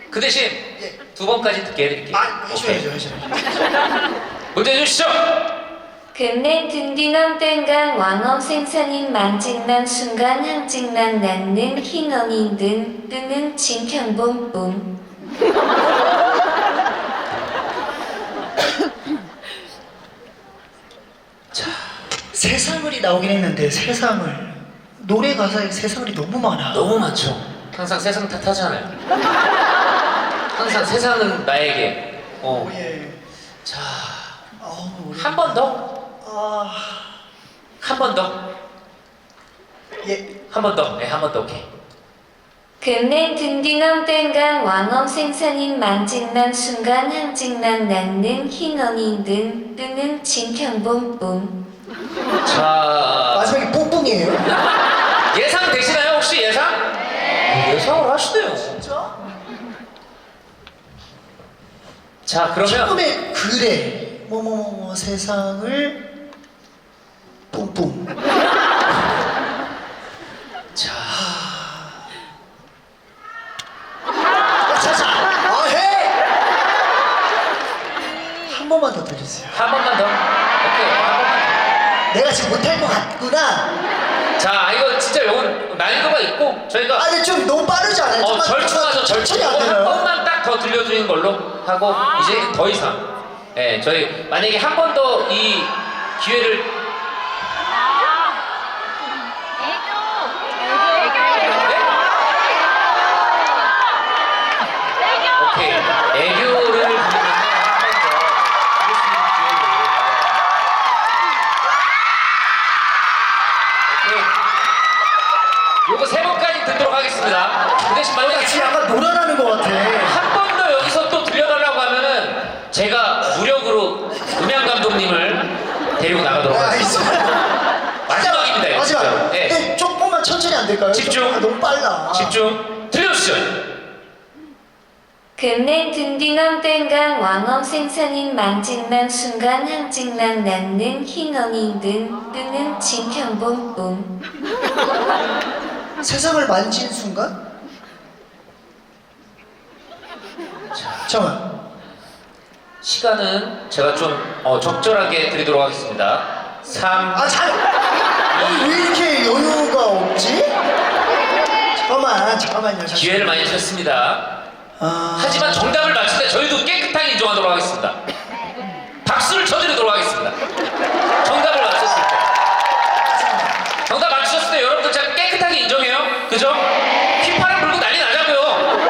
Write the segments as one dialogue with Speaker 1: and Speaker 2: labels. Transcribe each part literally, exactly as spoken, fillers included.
Speaker 1: 그 대신
Speaker 2: 예.
Speaker 1: 두 번까지 듣게 해드릴게요.
Speaker 2: 아, 해줘야죠, 해줘야죠.
Speaker 1: 문제 주시죠.
Speaker 3: 근래 든디넘 땡강 왕엄 생산인 만직난 순간 항직난 낳는 흰언인 든 뜨는 진평본뿐.
Speaker 2: 자, 세상을이 나오긴 했는데 세상을 노래 가사에 세상을이 너무 많아.
Speaker 1: 너무 많죠. 항상 세상 탓하잖아요. 항상 세상은 나에게. 어.
Speaker 2: 오, 예.
Speaker 1: 자,
Speaker 2: 아우, 우리-
Speaker 1: 한 번 더.
Speaker 2: 아,
Speaker 1: 한 번 더.
Speaker 2: 예.
Speaker 1: 한 번 더. 네, 한 번 더. 오케이.
Speaker 3: 근래 든디넘 땡강 왕엄 생산인 만직난 순간 항직난 낳는 흰언인 든 뜨는 진평본뿐.
Speaker 1: 자,
Speaker 2: 마지막에 뿡뿡이에요.
Speaker 1: 예상 되시나요? 혹시 예상? 네. 예상을 하시네요.
Speaker 2: 진짜?
Speaker 1: 자, 그러면
Speaker 2: 처음에 그래 뭐뭐뭐 세상을 뿡뿡.
Speaker 1: 자,
Speaker 2: 자자. 아 해. 한 번만 더 들려주세요.
Speaker 1: 한 번만 더. 오케이, 한 번만
Speaker 2: 내가 지금 못할 것 같구나.
Speaker 1: 더. 자, 이거 진짜 이건 난이도가 있고 저희가
Speaker 2: 아 근데 좀 너무 빠르지 않아요?
Speaker 1: 어,
Speaker 2: 좀만
Speaker 1: 절충하죠, 절충.
Speaker 2: 천천히 안
Speaker 1: 이거 한
Speaker 2: 되나요?
Speaker 1: 번만 딱 더 들려주는 걸로 하고 이제 더 이상. 예, 저희 만약에 한 번 더 이 기회를 오케이, 애교를 부르면 한 번 더 들을 수 있는 기회를. 오케이. 요거 세 번까지 듣도록 하겠습니다. 그 대신
Speaker 2: 나
Speaker 1: 만약에
Speaker 2: 지금 약간 놀아나는 것 같아.
Speaker 1: 한 번 더 여기서 또 들려달라고 하면은 제가 무력으로 음향 감독님을 데리고 나가도록
Speaker 2: 아,
Speaker 1: 하겠습니다.
Speaker 2: 알겠습니다.
Speaker 1: 마지막입니다, 이거
Speaker 2: 마지막.
Speaker 1: 진짜. 예.
Speaker 2: 네, 조금만 천천히 안 될까요?
Speaker 1: 집중.
Speaker 2: 아, 너무 빨라.
Speaker 1: 집중. 들려주시죠.
Speaker 3: 근래 든디넘 땡강 왕엄 생산인 만직난 순간 항직난 낳는 흰언인 든 뜨는 진평본뿐.
Speaker 2: 세상을 만진 순간? 잠깐만.
Speaker 1: 시간은 제가 좀 어, 적절하게 드리도록 하겠습니다. 삼.
Speaker 2: 아, 잘. 아니, 왜 이렇게 여유가 없지? 잠깐만, 잠깐만요. 잠깐만.
Speaker 1: 기회를 많이 주셨습니다.
Speaker 2: 아...
Speaker 1: 하지만 정답을 맞출 때 저희도 깨끗하게 인정하도록 하겠습니다. 박수를 쳐드리도록 하겠습니다. 정답을 맞췄을 때. 정답 맞추셨을 때 여러분들 제가 깨끗하게 인정해요. 그죠? 휘파람 불고 난리 나자고요.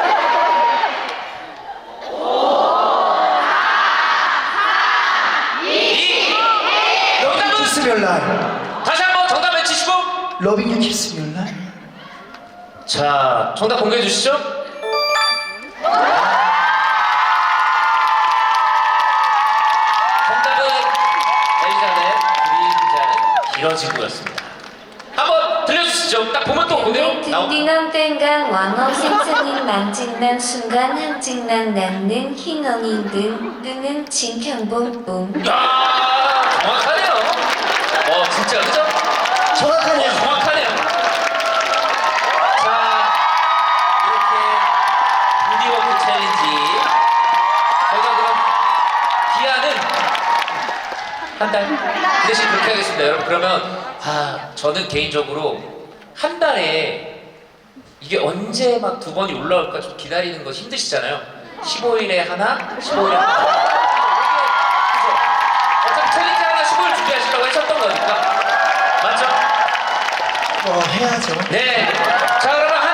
Speaker 1: 이 정답은
Speaker 2: 키스 멸날.
Speaker 1: 다시 한번 정답 외치시고.
Speaker 2: 러빙 유 키스 멸날.
Speaker 1: 자, 정답 공개해 주시죠. 정답은 엘리자벳 그림자는 길어지고였습니다. 한번 들려주시죠. 딱 보면 또 그대로
Speaker 3: 근래
Speaker 1: 나오.
Speaker 3: 든디넘 땡강 왕엄 생산인 만직난 순간 항직난 낳는 흰언인 든 뜨는 진평본뿐.
Speaker 1: 야, 정확하네요. 어, 진짜 그죠? 어,
Speaker 2: 정확하네요.
Speaker 1: 정확하네요. 자, 이렇게 부디워크 챌린지 저희가 그럼 기한은 한 달. 그 대신 그렇게 하겠습니다, 여러분. 그러면 아, 저는 개인적으로 한 달에 이게 언제 막 두 번이 올라올까 좀 기다리는 거 힘드시잖아요. 십오 일에 하나, 십오 일에 하나. 그죠? 어차피 챌린지 하나 십오 일 준비하시려고 하셨던 거니까. 맞죠?
Speaker 2: 어, 해야죠.
Speaker 1: 네. 자, 그러면